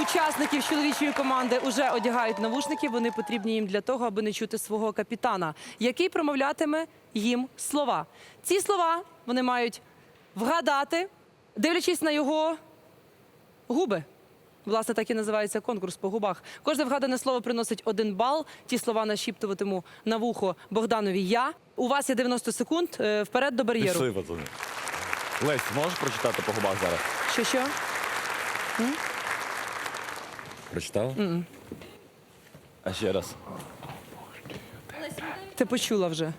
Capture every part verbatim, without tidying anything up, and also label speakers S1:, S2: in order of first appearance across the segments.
S1: учасників чоловічої команди вже одягають навушники. Вони потрібні їм для того, аби не чути свого капітана, який промовлятиме їм слова. Ці слова вони мають вгадати, дивлячись на його губи. Власне, так і називається конкурс по губах. Кожне вгадане слово приносить один бал. Ті слова нашіптуватиму на вухо Богданові я. У вас є дев'яносто секунд. Е, Вперед до бар'єру.
S2: Пішли, пацани. Лесь, можеш прочитати по губах зараз?
S1: Що-що?
S2: Прочитала? Mm-mm. А ще раз.
S1: Ти почула вже.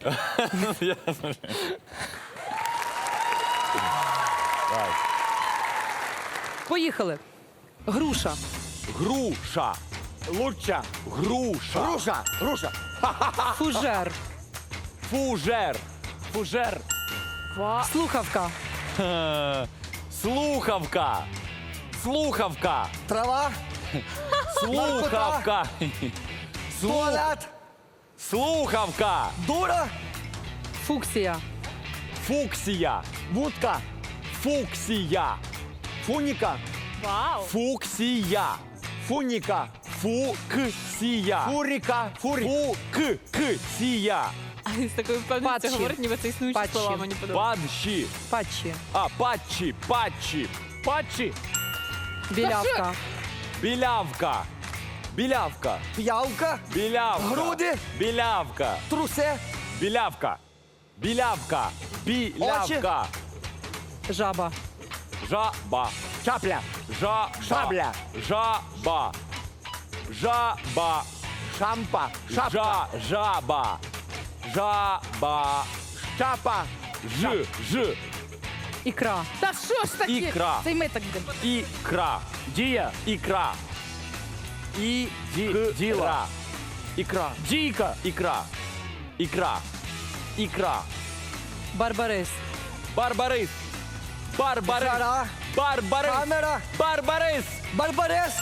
S1: Поїхали. Груша.
S2: Груша.
S3: Луча.
S2: Груша.
S3: Груша. Груша.
S1: Фужер.
S2: Фужер.
S3: Фужер.
S1: Слухавка.
S2: Е, Слухавка. Слухавка.
S3: Трава.
S2: Слухавка. Слу-
S3: Туалет.
S2: Слухавка.
S3: Дура.
S1: Фуксія.
S2: Фуксія.
S3: Вудка.
S2: Фуксія.
S3: Фуніка.
S2: Фуксія.
S3: Фуніка.
S2: Фуксія.
S3: Фуріка. Фурі.
S2: Фуксія.
S4: А він з такою впевненістю
S1: Патчі.
S4: говорить, ніби це існуючі
S1: Патчі.
S4: слова, мені подобається.
S2: Падші.
S1: Патчі.
S2: А, патчі. Патчі.
S3: Патчі.
S1: Білявка.
S2: Білявка. Білявка.
S3: П'явка.
S2: Білявка.
S3: Груди.
S2: Білявка.
S3: Трусе.
S2: Білявка. Білявка. Білявка.
S1: Жаба.
S2: Жаба.
S3: Чапля.
S2: Жаба.
S3: Шабля.
S2: Жаба. Жаба.
S3: Шампа. Шапка.
S2: Жа. Жаба. Жаба.
S3: Шапа.
S2: Ж. Ж.
S1: Ікра.
S4: Та що ж таке?
S2: Ікра.
S4: Це й ми так будемо.
S2: Ікра.
S3: Дія.
S2: Ікра. І.
S3: Ді- діла.
S2: Ікра.
S3: Дійка.
S2: Ікра. Ікра. Ікра.
S1: Барбарис.
S2: Барбарис. Барбарис.
S3: Жара.
S2: Барбарис.
S3: Камера.
S2: Барбарис.
S3: Барбарес.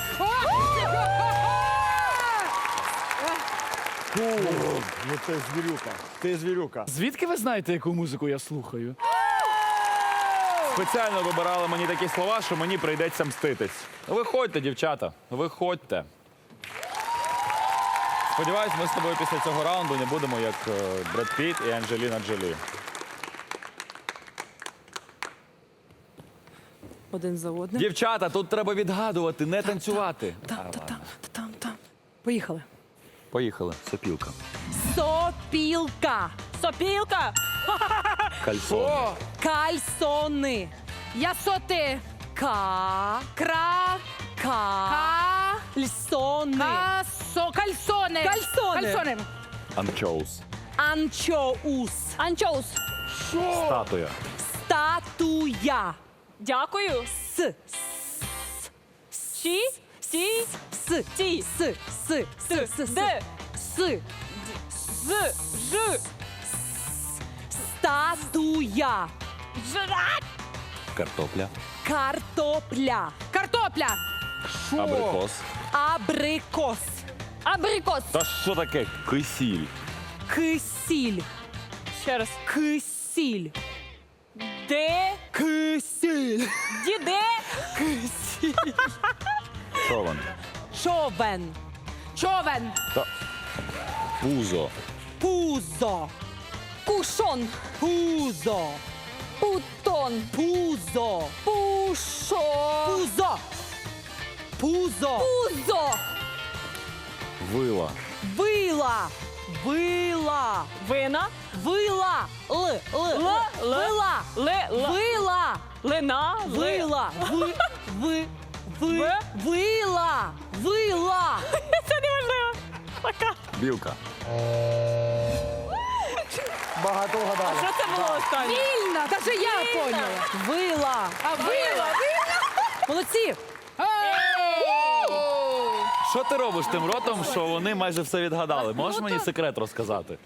S3: Ну ти звірюка. Ти звірюка.
S5: Звідки ви знаєте, яку музику я слухаю?
S2: Спеціально вибирали мені такі слова, що мені прийдеться мститись. Виходьте, дівчата, виходьте. Сподіваюсь, ми з тобою після цього раунду не будемо як е, Бред Піт і Анджеліна Джолі.
S1: Один за одним.
S2: Дівчата, тут треба відгадувати, не танцювати.
S1: Там, та там, та там, там. Поїхали.
S2: Поїхали. Сопілка.
S1: Сопілка.
S4: Сопілка!
S2: Кальсон.
S1: Кальсони.
S4: Я соти.
S1: Ка.
S4: Кра.
S1: Ка.
S4: Ка.
S1: Льсони.
S4: Касо. Кальсони.
S1: Кальсони.
S4: Кальсони.
S2: Анчоус.
S1: Анчоус.
S4: Анчоус.
S2: Статуя.
S1: Статуя.
S4: Дякую.
S1: С.
S4: Сі. Сі.
S1: С.
S4: Ті.
S1: С. С. С. С. С.
S4: Де.
S1: С.
S4: З. Ж.
S1: Статуя.
S4: Жрать.
S2: Картопля.
S1: Картопля.
S4: Картопля.
S2: Абрикос.
S1: Абрикос.
S4: Абрикос.
S2: Та що таке? Кисіль.
S1: Кисіль.
S4: Ще раз.
S1: Кисіль.
S4: Де.
S1: Кисіль.
S4: Діде.
S2: Човен.
S1: Човен.
S4: Човен.
S2: Та... Пузо.
S1: Пузо.
S4: Кушон.
S1: Пузо.
S4: Путон.
S1: Пузо.
S4: Пушо.
S1: Пузо. Пузо.
S4: Пузо.
S2: Вила.
S1: Вила. Вила.
S4: Вина.
S1: Вила. Л. Л.
S4: Л. Л.
S1: Вила.
S4: Ле. Л.
S1: Вила.
S4: Лина. Ли.
S1: Вила. Ви. Ви. Ви.
S4: Ви?
S1: Вила. Вила.
S4: Це неможливо. Пока.
S2: Білка.
S3: Багато вгадали.
S4: Що це було останнє?
S1: Вільна. Даже я поняла. Вила.
S4: А вила.
S1: Молодці.
S2: Що ти робиш тим ротом, що вони майже все відгадали? Можеш мені секрет розказати?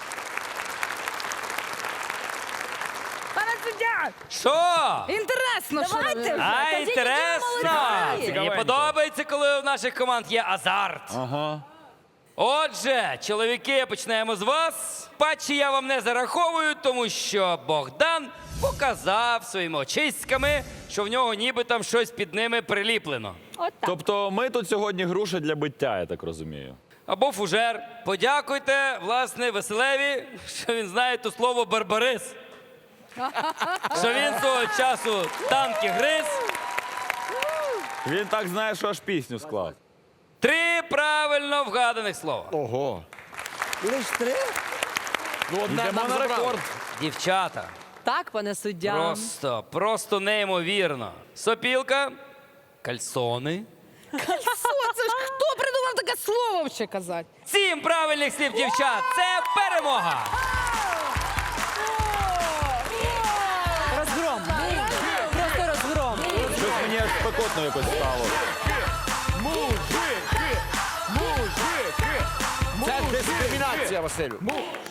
S4: Пане суддя.
S6: Що?
S4: Інтересно, що
S1: Давайте вже.
S6: А,
S1: Кажіть, які ви
S6: інтересно!
S1: молодці.
S6: Мені
S2: Цікавенько.
S6: подобається, коли у наших команд є азарт.
S2: Ага.
S6: Отже, чоловіки, почнемо з вас. Патчі я вам не зараховую, тому що Богдан показав своїми очиськами, що в нього ніби там щось під ними приліплено.
S4: Отак.
S2: Тобто ми тут сьогодні груша для биття, я так розумію.
S6: Або фужер. Подякуйте, власне, Веселеві, що він знає то слово барбарис. Що він свого часу танки гриз.
S2: Він так знає, що аж пісню склав.
S6: Три правильно вгаданих слова.
S3: Ого. Лиш три? Ну, одне
S2: Йдемо
S3: нам
S2: на
S3: забрали.
S2: рекорд.
S6: Дівчата.
S1: Так, пане суддя.
S6: Просто, просто неймовірно. Сопілка, кальсони.
S4: Що це ж хто придумав таке слово ще казати?
S6: Сім правильних слів, дівчат. Це перемога.
S1: Розгром. Просто розгром.
S2: Щось мені аж спекотно якось стало.
S3: Мужики! Мужики! Це дискримінація, Василю.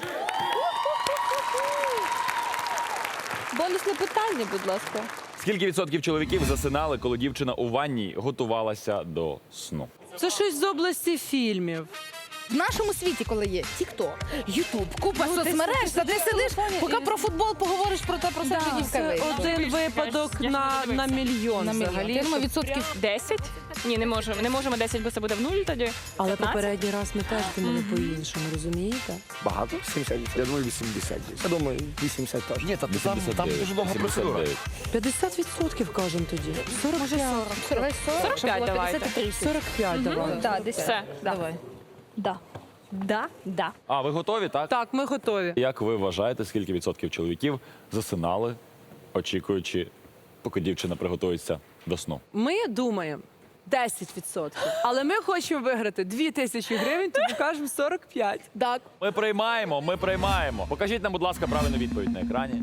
S4: Бонусне питання, будь ласка.
S2: Скільки відсотків чоловіків засинали, коли дівчина у ванні готувалася до сну?
S1: Це щось з області фільмів.
S4: В нашому світі, коли є TikTok, YouTube, купа
S1: Ну, ти
S4: соцмереж,
S1: сидиш
S4: та ти
S1: на
S4: сидиш,
S1: телефоні
S4: поки
S1: і-
S4: про футбол поговориш про те, про це вже дівка
S1: Це
S4: вийшла.
S1: один випадок на, на мільйон
S4: На мільйон.
S1: взагалі.
S4: Я думаю, відсотків
S7: десять? Ні, не можемо. Не можемо десять, бо це буде в нуль тоді.
S1: Але
S7: п'ятнадцять?
S1: попередній раз ми теж думали по-іншому, розумієте?
S3: Багато? сімдесят. Я думаю, вісімдесят. Я думаю, вісімдесят теж. Ні, та там, там дуже довга процедура.
S1: п'ятдесят відсотків кажемо тоді. сорок
S4: може
S1: п'ять.
S4: сорок.
S7: сорок п'ять давайте.
S1: сорок п'ять давай.
S4: Да, десь.
S7: Все.
S1: Давай.
S4: Да. Да, да.
S2: А, ви готові, так?
S1: Так, ми готові.
S2: Як ви вважаєте, скільки відсотків чоловіків засинали, очікуючи, поки дівчина приготується до сну?
S1: Ми думаємо десять відсотків. Але ми хочемо виграти дві тисячі гривень, тому кажемо сорок п'ять.
S4: Так.
S2: Ми приймаємо, ми приймаємо. Покажіть нам, будь ласка, правильну відповідь на екрані.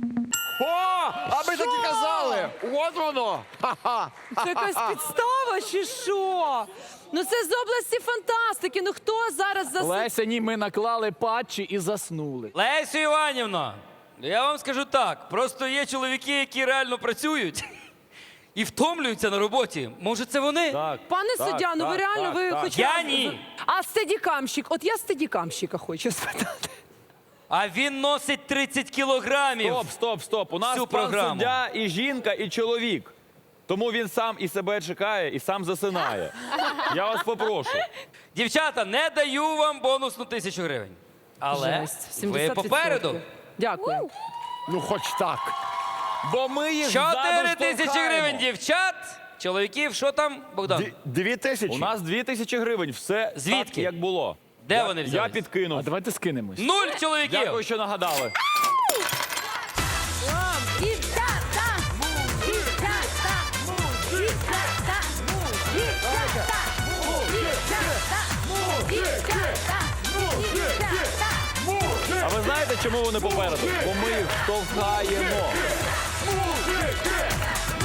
S3: О! А ми так і казали! От воно! Ха-ха!
S1: Це якась підстава чи що? Ну це з області фантастики. Ну хто зараз за
S5: Леся, ні, ми наклали патчі і заснули.
S6: Лесю Іванівна, я вам скажу так. Просто є чоловіки, які реально працюють і втомлюються на роботі. Може, це вони?
S2: Так.
S1: Пане
S2: так,
S1: суддя, ну ви
S2: так,
S1: реально
S2: так,
S1: ви
S2: так.
S1: хоч
S6: Я
S1: раз-
S6: ні.
S1: А стедікамщик, от я стедікамщика хочу спитати.
S6: А він носить тридцять кілограмів.
S2: Стоп, стоп, стоп. У нас
S6: Всю
S2: пан
S6: програму.
S2: суддя і жінка, і чоловік. Тому він сам і себе чекає, і сам засинає. Я вас попрошу.
S6: Дівчата, не даю вам бонусну тисячу гривень. Але
S1: Жесть,
S6: ви
S1: сімдесят
S6: попереду.
S1: відсотків. Дякую.
S3: Ну, хоч так.
S2: Бо ми їх
S6: Чотири
S2: ззаду
S6: тисячі
S2: штовхаємо.
S6: гривень, дівчат. Чоловіків, що там, Богдан?
S3: Дві- Дві тисячі.
S2: У нас дві тисячі гривень. Все
S6: Звідки?
S2: так, як було.
S6: Де
S2: я,
S6: вони
S2: Я
S6: взялись?
S2: підкинув.
S5: А давайте скинемось.
S6: Нуль чоловіків.
S2: Дякую, що нагадали.
S4: Дівчата! Дівчата! Дівчата! Дівчата! Дівчата! Дівчата! Дівчата!
S2: А ви знаєте, чому вони попереду? Бо ми їх штовхаємо.